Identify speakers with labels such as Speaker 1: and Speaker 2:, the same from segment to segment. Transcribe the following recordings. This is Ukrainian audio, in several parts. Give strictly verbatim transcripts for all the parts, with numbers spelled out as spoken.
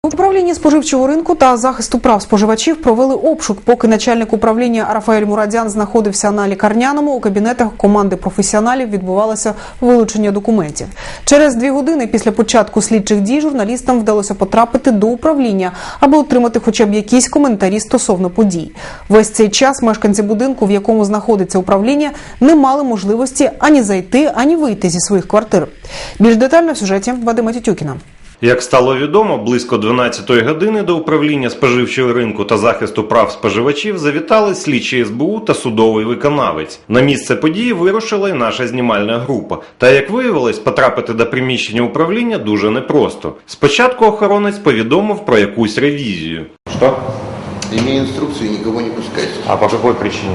Speaker 1: Управління споживчого ринку та захисту прав споживачів провели обшук, поки начальник управління Рафаель Мурадян знаходився на лікарняному. У кабінетах команди професіоналів відбувалося вилучення документів. Через дві години після початку слідчих дій журналістам вдалося потрапити до управління, аби отримати хоча б якісь коментарі стосовно подій. Весь цей час мешканці будинку, в якому знаходиться управління, не мали можливості ані зайти, ані вийти зі своїх квартир. Більш детально в сюжеті Вадима Тютюкіна.
Speaker 2: Як стало відомо, близько дванадцятої години до управління споживчого ринку та захисту прав споживачів завітали слідчі ес бе у та судовий виконавець. На місце події вирушила й наша знімальна група. Та, як виявилось, потрапити до приміщення управління дуже непросто. Спочатку охоронець повідомив про якусь ревізію.
Speaker 3: Що? Имею инструкцию, никого не пускайте.
Speaker 2: А по якій причині?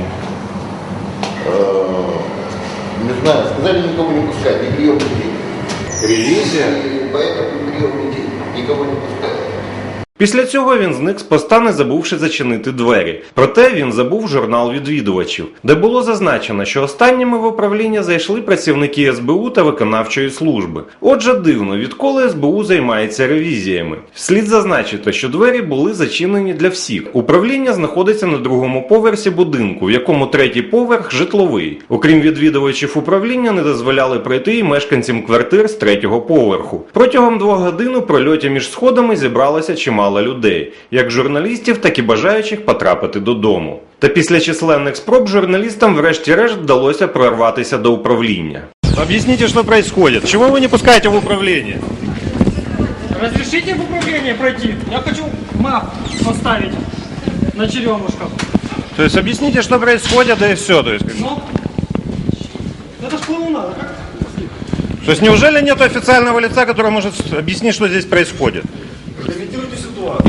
Speaker 3: Не знаю, сказали никого не пускать, не прием людей.
Speaker 2: Ревізія?
Speaker 3: И поэтому прием людей, никого не пускают.
Speaker 2: Після цього він зник з поста, не забувши зачинити двері. Проте він забув журнал відвідувачів, де було зазначено, що останніми в управління зайшли працівники ес бе у та виконавчої служби. Отже, дивно, відколи ес бе у займається ревізіями. Слід зазначити, що двері були зачинені для всіх. Управління знаходиться на другому поверсі будинку, в якому третій поверх житловий. Окрім відвідувачів управління, не дозволяли пройти і мешканцям квартир з третього поверху. Протягом двох годин у прольоті між сходами зібралося чимало людей, як журналістів, так і бажаючих потрапити додому. Та після численних спроб журналістам врешті-решт вдалося прорватися до управління.
Speaker 4: Объясните, что происходит. Чего вы не пускаете в управление?
Speaker 5: Разрешите в управление пройти? Я хочу мап поставить на черемушках.
Speaker 4: То есть объясните, что происходит, да и все. То есть,
Speaker 5: Ну, это ж клоунада, как?
Speaker 4: то есть неужели нет официального лица, который может объяснить, что здесь происходит?
Speaker 5: Комментируйте ситуацию.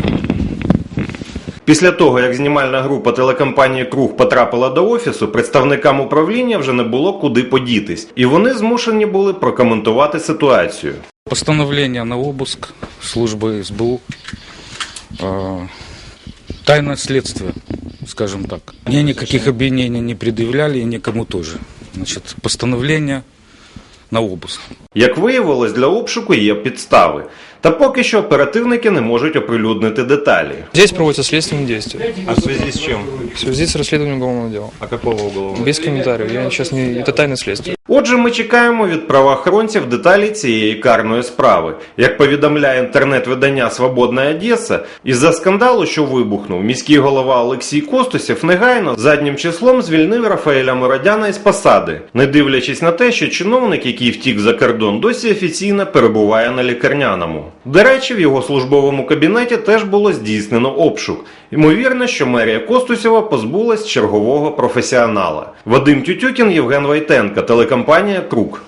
Speaker 2: Після того, як знімальна група телекомпанії «Круг» потрапила до офісу, представникам управління вже не було куди подітись. І вони змушені були прокоментувати ситуацію.
Speaker 6: Постановление на обыск службы эс бэ у, э, тайное следствие, скажем так. Мне никаких обвинений не предъявляли и никому тоже. Значит, постановление на обыск.
Speaker 2: Як виявилось, для обшуку є підстави. Та поки що оперативники не можуть оприлюднити деталі.
Speaker 7: Здесь проводятся следственные действия.
Speaker 4: А в связи с чем?
Speaker 7: В связи с расследованием уголовного дела.
Speaker 4: А какого уголовного?
Speaker 7: Без комментариев. Я сейчас не... Это тайное следствие.
Speaker 2: Отже, ми чекаємо від правоохоронців деталі цієї карної справи. Як повідомляє інтернет-видання «Свободна Одеса», із-за скандалу, що вибухнув, міський голова Олексій Костусєв негайно заднім числом звільнив Рафаеля Мурадяна із посади, не дивлячись на те, що чиновник, який втік за кордон, досі офіційно перебуває на лікарняному. До речі, в його службовому кабінеті теж було здійснено обшук. Ймовірно, що мерія Костусєва позбулась чергового професіонала. Вадим Тютюкін, Євген Войтенко, телекомпанія «Круг».